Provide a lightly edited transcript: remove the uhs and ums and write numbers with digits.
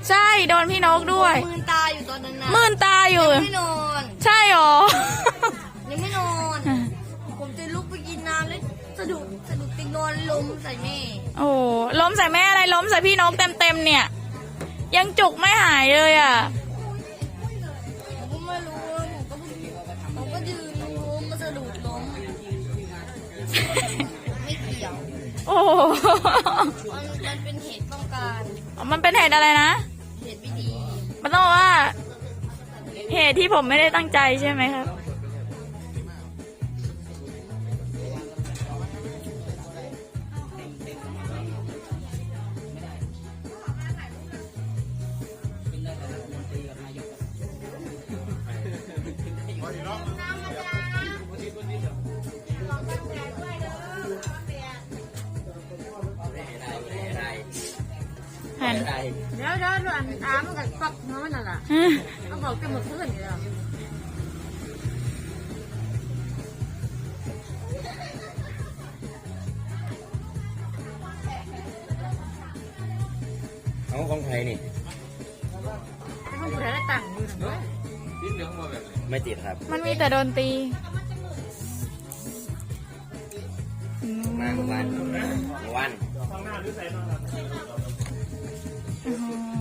ใช่โดนพี่นกด้วยมืนตาอยู่ตอนนั้นนะมื่นตาอยู่ไม่นอนใช่หรอยังไม่นอน ผมจะลุกไปกินน้ำแล้วสะดุดติงนอนล้มใส่แม่โอ้ล้มใส่แม่อะไรล้มใส่พี่นกเต็มเนี่ย ยังจุกไม่หายเลยอ่ะผมก็ไม่รู้ผมก็ยืนล้มมาสะดุดล้มไม่เกี่ยวโอ้มันเป็นเหตุต้องการมันเป็นเหตุอะไรนะเหตุไม่ดีมันต้องว่า เหตุที่ผมไม่ได้ตั้งใจใช่ไหมครับ หันเดี๋ยวอันถามมันกับปักน้อยนั่นแหละเขาบอกจะหมดเพื่อนอยู่แล้วเอาของไทยนี่เขาอยู่ได้ตังค์อยู่นะไม่ติดครับมันมีแต่โดนตีมาเมื่อวานอื้อหือ